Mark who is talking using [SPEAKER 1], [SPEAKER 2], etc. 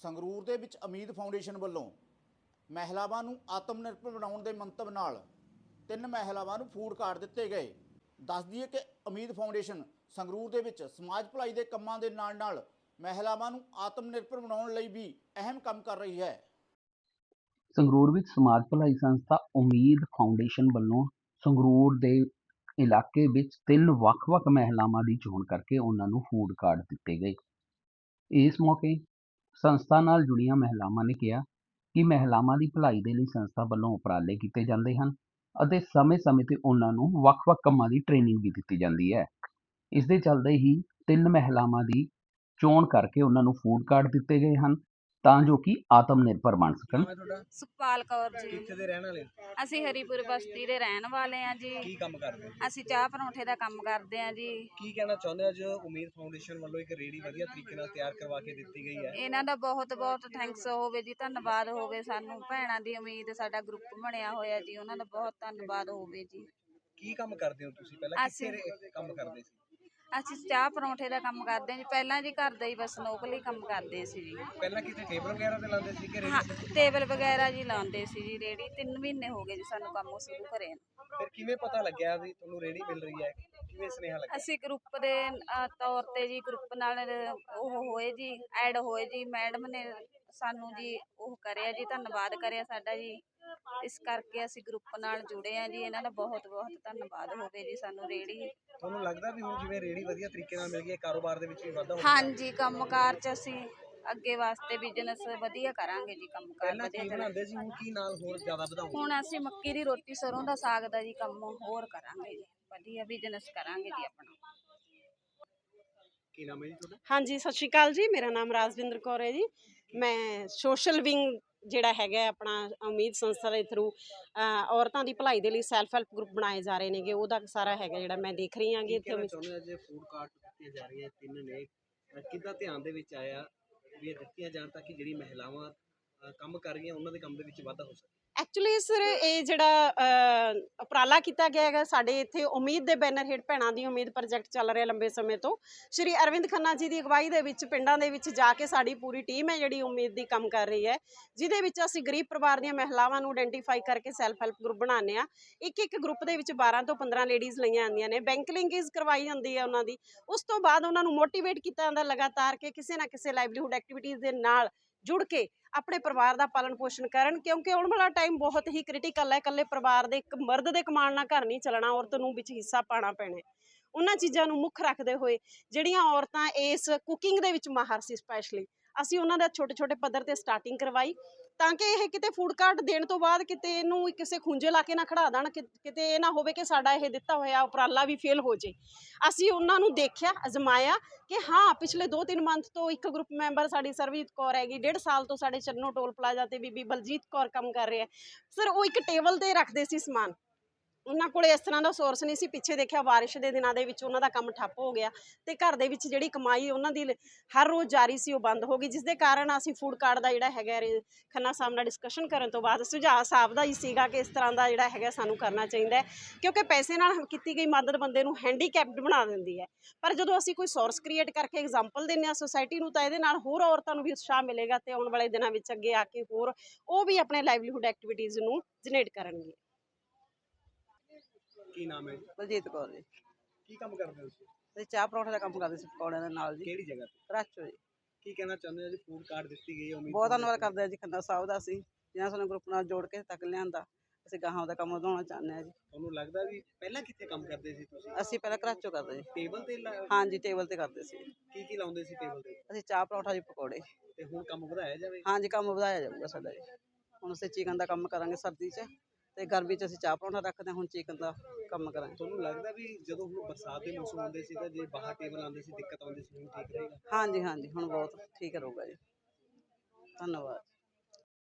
[SPEAKER 1] ਸੰਗਰੂਰ ਦੇ ਵਿੱਚ ਉਮੀਦ ਫਾਊਂਡੇਸ਼ਨ ਵੱਲੋਂ ਮਹਿਲਾਵਾਂ ਨੂੰ ਆਤਮ ਨਿਰਭਰ ਬਣਾਉਣ ਦੇ ਮੰਤਵ ਨਾਲ 3 ਮਹਿਲਾਵਾਂ ਨੂੰ ਫੂਡ ਕਾਰਡ ਦਿੱਤੇ ਗਏ। ਦੱਸ ਦਈਏ ਕਿ ਉਮੀਦ ਫਾਊਂਡੇਸ਼ਨ ਸੰਗਰੂਰ ਦੇ ਵਿੱਚ ਸਮਾਜ ਭਲਾਈ ਦੇ ਕੰਮਾਂ ਦੇ ਨਾਲ ਮਹਿਲਾਵਾਂ ਨੂੰ ਆਤਮ ਨਿਰਭਰ ਬਣਾਉਣ ਲਈ ਵੀ ਅਹਿਮ ਕੰਮ ਕਰ ਰਹੀ ਹੈ।
[SPEAKER 2] ਸੰਗਰੂਰ ਵਿੱਚ ਸਮਾਜ ਭਲਾਈ ਸੰਸਥਾ ਉਮੀਦ ਫਾਊਂਡੇਸ਼ਨ ਵੱਲੋਂ ਸੰਗਰੂਰ ਦੇ ਇਲਾਕੇ ਵਿੱਚ 3 ਵੱਖ-ਵੱਖ ਮਹਿਲਾਵਾਂ ਦੀ ਚੋਣ ਕਰਕੇ ਉਹਨਾਂ ਨੂੰ ਫੂਡ ਕਾਰਡ ਦਿੱਤੇ ਗਏ। ਇਸ ਮੌਕੇ ਸੰਸਥਾ ਨਾਲ ਜੁੜੀਆਂ ਮਹਿਲਾਵਾਂ ਨੇ ਕਿਹਾ ਕਿ ਮਹਿਲਾਵਾਂ ਦੀ ਭਲਾਈ ਦੇ ਲਈ ਸੰਸਥਾ ਵੱਲੋਂ ਉਪਰਾਲੇ ਕੀਤੇ ਜਾਂਦੇ ਹਨ ਅਤੇ ਸਮੇਂ-ਸਮੇਂ ਤੇ ਉਹਨਾਂ ਨੂੰ ਵੱਖ-ਵੱਖ ਕੰਮਾਂ ਦੀ ਟ੍ਰੇਨਿੰਗ ਵੀ ਦਿੱਤੀ ਜਾਂਦੀ ਹੈ। ਇਸ ਦੇ ਚੱਲਦੇ ਹੀ 3 ਮਹਿਲਾਵਾਂ ਦੀ ਚੋਣ ਕਰਕੇ ਉਹਨਾਂ ਨੂੰ ਫੂਡ ਕਾਰਡ ਦਿੱਤੇ ਗਏ ਹਨ ਤਾਂ ਜੋ ਕਿ ਆਤਮ ਨਿਰਭਰ ਬਣ ਸਕਣ।
[SPEAKER 3] ਸੁਖਪਾਲ ਕੌਰ ਜੀ।
[SPEAKER 4] ਕਿੱਥੇ ਦੇ ਰਹਿਣ ਵਾਲੇ?
[SPEAKER 3] ਅਸੀਂ ਹਰੀਪੁਰ ਬਸਤੀ ਦੇ ਰਹਿਣ ਵਾਲੇ ਆ ਜੀ।
[SPEAKER 4] ਕੀ ਕੰਮ ਕਰਦੇ ਹੋ?
[SPEAKER 3] ਅਸੀਂ ਚਾਹ ਪਰੌਂਠੇ ਦਾ ਕੰਮ ਕਰਦੇ ਆ ਜੀ।
[SPEAKER 4] ਕੀ ਕਹਿਣਾ ਚਾਹੁੰਦੇ ਹੋ? ਅੱਜ ਉਮੀਦ ਫਾਊਂਡੇਸ਼ਨ ਵੱਲੋਂ ਇੱਕ ਰੇਹੜੀ ਵਧੀਆ ਤਰੀਕੇ ਨਾਲ ਤਿਆਰ ਕਰਵਾ ਕੇ ਦਿੱਤੀ ਗਈ ਹੈ।
[SPEAKER 3] ਇਹਨਾਂ ਦਾ ਬਹੁਤ ਬਹੁਤ ਥੈਂਕਸ ਹੋਵੇ ਜੀ, ਧੰਨਵਾਦ ਹੋਵੇ। ਸਾਨੂੰ ਭੈਣਾਂ ਦੀ ਉਮੀਦ ਸਾਡਾ ਗਰੁੱਪ ਬਣਿਆ ਹੋਇਆ ਜੀ, ਉਹਨਾਂ ਦਾ ਬਹੁਤ ਧੰਨਵਾਦ ਹੋਵੇ ਜੀ।
[SPEAKER 4] ਕੀ ਕੰਮ ਕਰਦੇ ਹੋ ਤੁਸੀਂ? ਪਹਿਲਾਂ ਕਿੱਥੇ ਕੰਮ ਕਰਦੇ ਸੀ?
[SPEAKER 3] ਅਸੀਂ ਚਾਹ ਪਰੌਂਠੇ ਦਾ ਕੰਮ ਕਰਦੇ ਹਾਂ ਜੀ। ਪਹਿਲਾਂ ਜੀ ਘਰ ਦਾ ਹੀ ਬਸ ਨੌਕਰੀ ਕੰਮ ਕਰਦੇ ਸੀ ਜੀ।
[SPEAKER 4] ਪਹਿਲਾਂ ਕਿਤੇ ਟੇਬਲ ਵਗੈਰਾ ਤੇ ਲਾਉਂਦੇ ਸੀ ਕਿ
[SPEAKER 3] ਹਾਂ, ਟੇਬਲ ਵਗੈਰਾ ਜੀ ਲਾਉਂਦੇ ਸੀ ਜੀ। ਰੇਹੜੀ 3 ਮਹੀਨੇ ਹੋ ਗਏ ਜੀ ਸਾਨੂੰ ਕੰਮ ਸ਼ੁਰੂ ਕਰੇ ਨੂੰ।
[SPEAKER 4] ਫਿਰ ਕਿਵੇਂ ਪਤਾ ਲੱਗਿਆ ਵੀ ਤੁਹਾਨੂੰ ਰੇਹੜੀ ਮਿਲ ਰਹੀ ਹੈ? ਕਿਵੇਂ ਸੁਨੇਹਾ ਲੱਗਿਆ?
[SPEAKER 3] ਅਸੀਂ ਗਰੁੱਪ ਦੇ ਤੌਰ ਤੇ ਜੀ ਗਰੁੱਪ ਨਾਲ ਉਹ ਹੋਏ ਜੀ, ਐਡ ਹੋਏ ਜੀ। ਮੈਡਮ ਨੇ ਸਾਨੂੰ ਜੀ ਉਹ ਕਰਿਆ ਜੀ, ਧੰਨਵਾਦ ਕਰਿਆ ਸਾਡਾ ਜੀ। ਇਸ ਕਰਕੇ ਅਸੀਂ ਗਰੁੱਪ ਨਾਲ ਜੁੜੇ ਆ ਜੀ। ਇਹਨਾਂ ਦਾ ਬਹੁਤ ਬਹੁਤ ਧੰਨਵਾਦ ਹੋਵੇ ਜੀ। ਸਾਨੂੰ ਰੇਹੜੀ
[SPEAKER 4] ਤੁਹਾਨੂੰ ਲੱਗਦਾ ਵੀ ਹੁਣ ਜਿਵੇਂ ਰੇਹੜੀ ਵਧੀਆ ਤਰੀਕੇ ਨਾਲ ਮਿਲ ਗਈ ਹੈ, ਕਾਰੋਬਾਰ ਦੇ ਵਿੱਚ ਵੀ ਵਾਧਾ ਹੋਊਗਾ?
[SPEAKER 3] ਹਾਂਜੀ, ਕੰਮਕਾਰ 'ਚ ਅਸੀਂ ਅੱਗੇ ਵਾਸਤੇ ਬਿਜ਼ਨਸ ਵਧੀਆ ਕਰਾਂਗੇ ਜੀ। ਕੰਮਕਾਰ
[SPEAKER 4] ਪਹਿਲਾਂ
[SPEAKER 3] ਵਧੀਆ
[SPEAKER 4] ਕੀ ਬਣਾਉਂਦੇ ਸੀ, ਹੁਣ ਕੀ ਨਾਲ ਹੋਰ ਜ਼ਿਆਦਾ ਵਧਾਉਂਗੇ?
[SPEAKER 3] ਹੁਣ ਅਸੀਂ ਮੱਕੀ ਦੀ ਰੋਟੀ, ਸਰੋਂ ਦਾ ਸਾਗ ਦਾ ਜੀ ਕੰਮ ਹੋਰ ਕਰਾਂਗੇ ਜੀ। ਵਧੀਆ ਬਿਜ਼ਨਸ ਕਰਾਂਗੇ ਜੀ ਆਪਣਾ।
[SPEAKER 4] ਕੀ ਨਾਮ ਹੈ ਜੀ ਤੁਹਾਡਾ?
[SPEAKER 5] ਹਾਂਜੀ, ਸਤਿ ਸ਼੍ਰੀ ਅਕਾਲ ਜੀ। ਮੇਰਾ ਨਾਮ ਰਾਜਵਿੰਦਰ ਕੌਰ ਹੈ ਜੀ। ਮੈਂ ਸੋਸ਼ਲ ਵਿੰਗ ਜਿਹੜਾ ਹੈਗਾ ਆਪਣਾ ਉਮੀਦ ਸੰਸਥਾ ਦੇ ਥਰੂ ਔਰਤਾਂ ਦੀ ਭਲਾਈ ਦੇ ਲਈ ਸੈਲਫ ਹੈਲਪ ਗਰੁੱਪ ਬਣਾਏ ਜਾ ਰਹੇ ਨੇਗੇ, ਉਹਦਾ ਸਾਰਾ ਹੈਗਾ ਜਿਹੜਾ ਮੈਂ ਦੇਖ ਰਹੀ ਹਾਂ।
[SPEAKER 4] ਇੱਥੇ ਚਾਹੁੰਦੇ ਅੱਜ ਫੂਡ ਕਾਰਟ ਦਿੱਤੀਆਂ ਜਾ ਰਹੀਆਂ 3 ਨੇ, ਕਿੱਦਾਂ ਧਿਆਨ ਦੇ ਵਿੱਚ ਆਇਆ ਵੀ ਇਹ ਦਿੱਤੀਆਂ ਜਾਣ ਤਾਂ ਕਿ ਜਿਹੜੀ ਮਹਿਲਾਵਾਂ ਕੰਮ ਕਰ ਰਹੀਆਂ ਉਹਨਾਂ ਦੇ ਕੰਮ ਦੇ ਵਿੱਚ ਵਾਧਾ ਹੋ ਸਕੇ?
[SPEAKER 5] ਐਕਚੁਅਲੀ ਸਰ ਇਹ ਜਿਹੜਾ ਉਪਰਾਲਾ ਕੀਤਾ ਗਿਆ ਹੈਗਾ ਸਾਡੇ ਇੱਥੇ ਉਮੀਦ ਦੇ ਬੈਨਰ ਹੇਠ ਭੈਣਾਂ ਦੀ ਉਮੀਦ ਪ੍ਰੋਜੈਕਟ ਚੱਲ ਰਿਹਾ ਲੰਬੇ ਸਮੇਂ ਤੋਂ। ਸ਼੍ਰੀ ਅਰਵਿੰਦ ਖੰਨਾ ਜੀ ਦੀ ਅਗਵਾਈ ਦੇ ਵਿੱਚ ਪਿੰਡਾਂ ਦੇ ਵਿੱਚ ਜਾ ਕੇ ਸਾਡੀ ਪੂਰੀ ਟੀਮ ਹੈ ਜਿਹੜੀ ਉਮੀਦ ਦੀ ਕੰਮ ਕਰ ਰਹੀ ਹੈ, ਜਿਹਦੇ ਵਿੱਚ ਅਸੀਂ ਗਰੀਬ ਪਰਿਵਾਰ ਦੀਆਂ ਮਹਿਲਾਵਾਂ ਨੂੰ ਆਇਡੈਂਟੀਫਾਈ ਕਰਕੇ ਸੈਲਫ ਹੈਲਪ ਗਰੁੱਪ ਬਣਾਉਂਦੇ ਹਾਂ। ਇੱਕ ਗਰੁੱਪ ਦੇ ਵਿੱਚ 12 ਤੋਂ 15 ਲੇਡੀਜ਼ ਲਈਆਂ ਜਾਂਦੀਆਂ ਨੇ। ਬੈਂਕ ਲਿੰਕੇਜ ਕਰਵਾਈ ਜਾਂਦੀ ਹੈ ਉਹਨਾਂ ਦੀ। ਉਸ ਤੋਂ ਬਾਅਦ ਉਹਨਾਂ ਨੂੰ ਮੋਟੀਵੇਟ ਕੀਤਾ ਜਾਂਦਾ ਲਗਾਤਾਰ ਕਿ ਕਿਸੇ ਨਾ ਕਿਸੇ ਲਾਈਵਲੀਹੁੱਡ ਐਕਟੀਵਿਟੀਜ਼ ਦੇ ਨਾਲ ਜੁੜ ਕੇ ਆਪਣੇ ਪਰਿਵਾਰ ਦਾ ਪਾਲਣ ਪੋਸ਼ਣ ਕਰਨ, ਕਿਉਂਕਿ ਆਉਣ ਵਾਲਾ ਟਾਈਮ ਬਹੁਤ ਹੀ ਕ੍ਰਿਟੀਕਲ ਹੈ। ਇਕੱਲੇ ਪਰਿਵਾਰ ਦੇ ਇੱਕ ਮਰਦ ਦੇ ਕਮਾਉਣ ਨਾਲ ਘਰ ਨਹੀਂ ਚੱਲਣਾ, ਔਰਤ ਨੂੰ ਵਿੱਚ ਹਿੱਸਾ ਪਾਉਣਾ ਪੈਣਾ। ਉਹਨਾਂ ਚੀਜ਼ਾਂ ਨੂੰ ਮੁੱਖ ਰੱਖਦੇ ਹੋਏ ਜਿਹੜੀਆਂ ਔਰਤਾਂ ਇਸ ਕੁਕਿੰਗ ਦੇ ਵਿੱਚ ਮਾਹਰ ਸੀ, ਸਪੈਸ਼ਲੀ ਅਸੀਂ ਉਹਨਾਂ ਦਾ ਛੋਟੇ ਪੱਧਰ ਤੇ ਸਟਾਰਟਿੰਗ ਕਰਵਾਈ ਤਾਂ ਕਿ ਇਹ ਕਿਤੇ ਫੂਡ ਕਾਰਟ ਦੇਣ ਤੋਂ ਬਾਅਦ ਕਿਤੇ ਇਹਨੂੰ ਕਿਸੇ ਖੁੰਝੇ ਲਾ ਕੇ ਨਾ ਖੜਾ ਦੇਣ, ਕਿਤੇ ਇਹ ਨਾ ਹੋਵੇ ਕਿ ਸਾਡਾ ਇਹ ਦਿੱਤਾ ਹੋਇਆ ਉਪਰਾਲਾ ਵੀ ਫੇਲ ਹੋ ਜੇ। ਅਸੀਂ ਉਹਨਾਂ ਨੂੰ ਦੇਖਿਆ, ਅਜ਼ਮਾਇਆ ਕਿ ਹਾਂ ਪਿਛਲੇ 2-3 ਮੰਥ ਤੋਂ ਇੱਕ ਗਰੁੱਪ ਮੈਂਬਰ ਸਾਡੀ ਸਰਬਜੀਤ ਕੌਰ ਹੈਗੀ, 1.5 ਸਾਲ ਤੋਂ ਸਾਡੇ ਚੰਨੋ ਟੋਲ ਪਲਾਜ਼ਾ ਤੇ ਬੀਬੀ ਬਲਜੀਤ ਕੌਰ ਕੰਮ ਕਰ ਰਿਹਾ ਸਰ। ਉਹ ਇੱਕ ਟੇਬਲ ਤੇ ਰੱਖਦੇ ਸੀ ਸਮਾਨ, ਉਹਨਾਂ ਕੋਲ ਇਸ ਤਰ੍ਹਾਂ ਦਾ ਸੋਰਸ ਨਹੀਂ ਸੀ। ਪਿੱਛੇ ਦੇਖਿਆ ਬਾਰਿਸ਼ ਦੇ ਦਿਨਾਂ ਦੇ ਵਿੱਚ ਉਹਨਾਂ ਦਾ ਕੰਮ ਠੱਪ ਹੋ ਗਿਆ ਤੇ ਘਰ ਦੇ ਵਿੱਚ ਜਿਹੜੀ ਕਮਾਈ ਉਹਨਾਂ ਦੀ ਹਰ ਰੋਜ਼ ਜਾਰੀ ਸੀ ਉਹ ਬੰਦ ਹੋ ਗਈ, ਜਿਸ ਦੇ ਕਾਰਨ ਅਸੀਂ ਫੂਡ ਕਾਰਟ ਦਾ ਜਿਹੜਾ ਹੈਗਾ ਖੰਨਾ ਸਾਹਿਬ ਨਾਲ ਡਿਸਕਸ਼ਨ ਕਰਨ ਤੋਂ ਬਾਅਦ ਸੁਝਾਅ ਸਾਹਿਬ ਦਾ ਹੀ ਸੀਗਾ ਕਿ ਇਸ ਤਰ੍ਹਾਂ ਦਾ ਜਿਹੜਾ ਹੈਗਾ ਸਾਨੂੰ ਕਰਨਾ ਚਾਹੀਦਾ ਹੈ, ਕਿਉਂਕਿ ਪੈਸੇ ਨਾਲ ਕੀਤੀ ਗਈ ਮਦਦ ਬੰਦੇ ਨੂੰ ਹੈਂਡੀਕੈਪਡ ਬਣਾ ਦਿੰਦੀ ਹੈ। ਪਰ ਜਦੋਂ ਅਸੀਂ ਕੋਈ ਸੋਰਸ ਕ੍ਰੀਏਟ ਕਰਕੇ ਐਗਜ਼ਾਮਪਲ ਦਿੰਦੇ ਹਾਂ ਸੋਸਾਇਟੀ ਨੂੰ, ਤਾਂ ਇਹਦੇ ਨਾਲ ਹੋਰ ਔਰਤਾਂ ਨੂੰ ਵੀ ਉਤਸ਼ਾਹ ਮਿਲੇਗਾ ਤੇ ਆਉਣ ਵਾਲੇ ਦਿਨਾਂ ਵਿੱਚ ਅੱਗੇ ਆ ਕੇ ਹੋਰ ਉਹ ਵੀ ਆਪਣੇ ਲਾਈਵਲੀਹੁੱਡ ਐਕਟੀਵਿਟੀਜ਼ ਨੂੰ ਜਨਰੇਟ ਕਰਨਗੇ।
[SPEAKER 4] ਕੀ ਨਾਮ ਹੈ ਜੀ?
[SPEAKER 6] ਬਲਜੀਤ ਕੌਰ ਜੀ।
[SPEAKER 4] ਕੀ ਕੰਮ ਕਰਦੇ ਹੋ ਤੁਸੀਂ?
[SPEAKER 6] ਅਸੀਂ ਚਾਹ ਪਰੌਂਠੇ ਦਾ ਕੰਮ ਕਰਦੇ ਸੀ ਪਕੌੜਿਆਂ ਦੇ ਨਾਲ ਜੀ।
[SPEAKER 4] ਕਿਹੜੀ ਜਗ੍ਹਾ ਤੇ?
[SPEAKER 6] ਕਰਾਚੋ ਜੀ।
[SPEAKER 4] ਕੀ ਕਹਿਣਾ ਚਾਹੁੰਦੇ ਹੋ ਜੀ ਫੂਡ ਕਾਰਟ ਦਿੱਤੀ ਗਈ ਹੈ ਉਮੀਦ?
[SPEAKER 6] ਬਹੁਤ ਧੰਨਵਾਦ ਕਰਦੇ ਹਾਂ ਜੀ ਖੰਨਾ ਸਾਹਿਬ ਦਾ, ਅਸੀਂ ਜਿਹਨਾਂ ਸਾਨੂੰ ਗਰੁੱਪ ਨਾਲ ਜੋੜ ਕੇ ਤੱਕ ਲਿਆਂਦਾ। ਅਸੀਂ ਗਾਹਾਂ ਦਾ ਕੰਮ ਵਧਾਉਣਾ ਚਾਹੁੰਦੇ ਹਾਂ ਜੀ।
[SPEAKER 4] ਤੁਹਾਨੂੰ ਲੱਗਦਾ ਵੀ ਪਹਿਲਾਂ ਕਿੱਥੇ ਕੰਮ ਕਰਦੇ ਸੀ ਤੁਸੀਂ?
[SPEAKER 6] ਅਸੀਂ ਪਹਿਲਾਂ ਕਰਾਚੋ ਕਰਦੇ ਜੀ।
[SPEAKER 4] ਟੇਬਲ ਤੇ
[SPEAKER 6] ਹਾਂਜੀ, ਟੇਬਲ ਤੇ ਕਰਦੇ ਸੀ।
[SPEAKER 4] ਕੀ ਲਾਉਂਦੇ ਸੀ ਟੇਬਲ ਤੇ?
[SPEAKER 6] ਅਸੀਂ ਚਾਹ ਪਰੌਂਠਾ ਜੀ, ਪਕੌੜੇ।
[SPEAKER 4] ਤੇ ਹੁਣ ਕੰਮ ਵਧਾਇਆ ਜਾਵੇ?
[SPEAKER 6] ਹਾਂਜੀ, ਕੰਮ ਵਧਾਇਆ ਜਾਊਗਾ ਸਾਡਾ ਜੀ। ਹੁਣ ਅਸੀਂ ਚਿਕਨ ਦਾ ਕੰਮ ਕਰਾਂਗੇ ਸਰਦੀ 'ਚ, ਤੇ ਗਰਮੀ 'ਚ ਅਸੀਂ ਚਾਹ ਪਰੌਂਠਾ ਰੱਖਦੇ ਹਾਂ। ਹੁਣ ਚਿਕਨ ਦਾ ਕੰਮ ਕਰਾਂਗੇ।
[SPEAKER 4] ਤੁਹਾਨੂੰ ਲੱਗਦਾ ਵੀ ਜਦੋਂ ਹੁਣ ਬਰਸਾਤ ਦੇ ਮੌਸਮ ਆਉਂਦੇ ਸੀ ਤਾਂ ਜੇ ਬਾਹਰ ਟੇਬਲ ਆਉਂਦੇ ਸੀ ਦਿੱਕਤ ਆਉਂਦੀ ਸੀ, ਹੁਣ ਠੀਕ ਰਹੇਗਾ?
[SPEAKER 6] ਹਾਂਜੀ, ਹੁਣ ਬਹੁਤ ਠੀਕ ਰਹੂਗਾ ਜੀ। ਧੰਨਵਾਦ।